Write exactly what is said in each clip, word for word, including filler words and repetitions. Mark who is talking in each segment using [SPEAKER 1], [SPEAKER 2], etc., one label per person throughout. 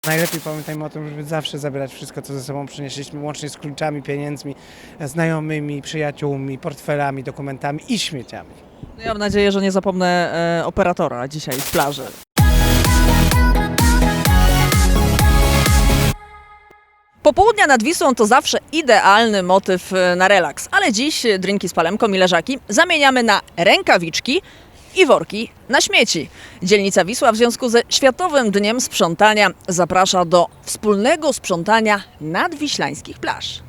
[SPEAKER 1] Najlepiej pamiętajmy o tym, żeby zawsze zabierać wszystko, co ze sobą przynieśliśmy, łącznie z kluczami, pieniędzmi, znajomymi, przyjaciółmi, portfelami, dokumentami i śmieciami.
[SPEAKER 2] No ja mam nadzieję, że nie zapomnę e, operatora dzisiaj z plaży. Popołudnia nad Wisłą to zawsze idealny motyw na relaks, ale dziś drinki z palemką i leżaki zamieniamy na rękawiczki i worki na śmieci. Dzielnica Wisła w związku ze Światowym Dniem Sprzątania zaprasza do wspólnego sprzątania nadwiślańskich plaż.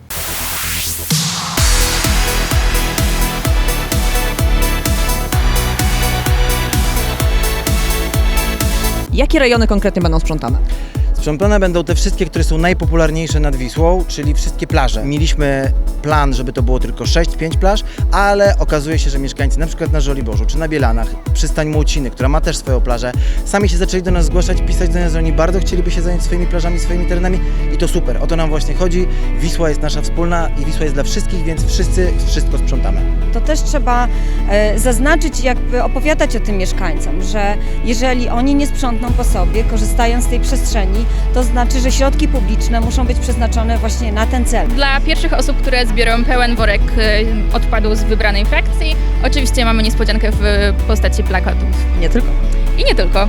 [SPEAKER 2] Jakie rejony konkretnie będą sprzątane?
[SPEAKER 3] Sprzątane będą te wszystkie, które są najpopularniejsze nad Wisłą, czyli wszystkie plaże. Mieliśmy plan, żeby to było tylko sześć pięć plaż, ale okazuje się, że mieszkańcy na przykład na Żoliborzu czy na Bielanach, przystań Młociny, która ma też swoją plażę, sami się zaczęli do nas zgłaszać, pisać do nas, że oni bardzo chcieliby się zająć swoimi plażami, swoimi terenami i to super. O to nam właśnie chodzi. Wisła jest nasza wspólna i Wisła jest dla wszystkich, więc wszyscy wszystko sprzątamy.
[SPEAKER 4] To też trzeba e, zaznaczyć, jakby opowiadać o tym mieszkańcom, że jeżeli oni nie sprzątną po sobie, korzystając z tej przestrzeni, to znaczy, że środki publiczne muszą być przeznaczone właśnie na ten cel.
[SPEAKER 5] Dla pierwszych osób, które zbiorą pełen worek odpadów z wybranej frakcji, oczywiście mamy niespodziankę w postaci plakatów.
[SPEAKER 2] Nie tylko.
[SPEAKER 5] I nie tylko.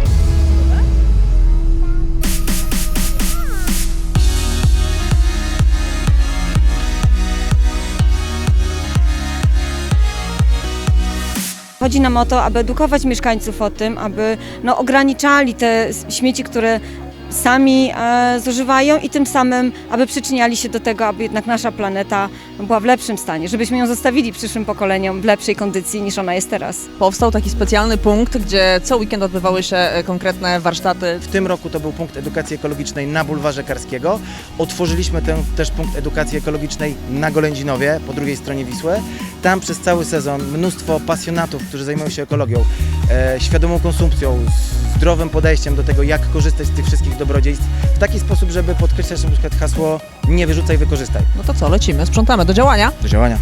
[SPEAKER 4] Chodzi nam o to, aby edukować mieszkańców o tym, aby no, ograniczali te śmieci, które sami e, zużywają i tym samym, aby przyczyniali się do tego, aby jednak nasza planeta była w lepszym stanie, żebyśmy ją zostawili przyszłym pokoleniom w lepszej kondycji niż ona jest teraz.
[SPEAKER 2] Powstał taki specjalny punkt, gdzie co weekend odbywały się konkretne warsztaty.
[SPEAKER 3] W tym roku to był punkt edukacji ekologicznej na Bulwarze Karskiego. Otworzyliśmy ten też punkt edukacji ekologicznej na Golędzinowie, po drugiej stronie Wisły. Tam przez cały sezon mnóstwo pasjonatów, którzy zajmują się ekologią, e, świadomą konsumpcją, zdrowym podejściem do tego, jak korzystać z tych wszystkich dobrodziejstw w taki sposób, żeby podkreślać na przykład hasło nie wyrzucaj, wykorzystaj.
[SPEAKER 2] No to co, lecimy, sprzątamy, do działania?
[SPEAKER 3] Do działania.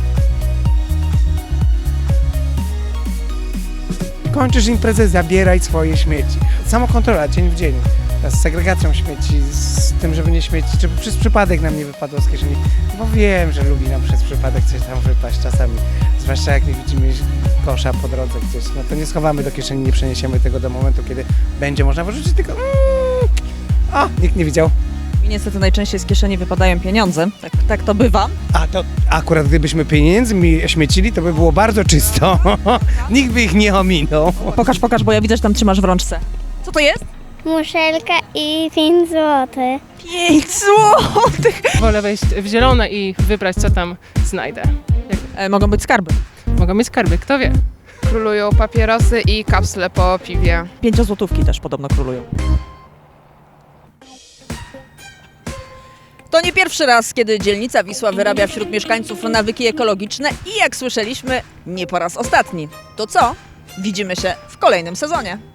[SPEAKER 1] Kończysz imprezę, zabieraj swoje śmieci. Samokontrola, dzień w dzień. Z segregacją śmieci, z tym, żeby nie śmieci, żeby przez przypadek nam nie wypadło z kieszeni. Bo wiem, że lubi nam przez przypadek coś tam wypaść czasami. Zwłaszcza jak nie widzimy kosza po drodze gdzieś. No to nie schowamy do kieszeni, nie przeniesiemy tego do momentu, kiedy będzie można wyrzucić, tylko mm, o, nikt nie widział.
[SPEAKER 2] Mi niestety najczęściej z kieszeni wypadają pieniądze, tak, tak to bywa.
[SPEAKER 1] A to akurat gdybyśmy pieniędzmi śmiecili, to by było bardzo czysto. Nikt by ich nie ominął.
[SPEAKER 2] Pokaż, pokaż, bo ja widzę, że tam trzymasz w rączce. Co to jest?
[SPEAKER 6] Muszelka i pięć złotych.
[SPEAKER 2] pięć złotych!
[SPEAKER 7] Wolę wejść w zielone i wybrać, co tam znajdę.
[SPEAKER 2] E, mogą być skarby.
[SPEAKER 7] Mogą mieć skarby, kto wie.
[SPEAKER 8] Królują papierosy i kapsle po piwie.
[SPEAKER 2] Pięciozłotówki też podobno królują. To nie pierwszy raz, kiedy dzielnica Wisła wyrabia wśród mieszkańców nawyki ekologiczne i jak słyszeliśmy, nie po raz ostatni. To co? Widzimy się w kolejnym sezonie.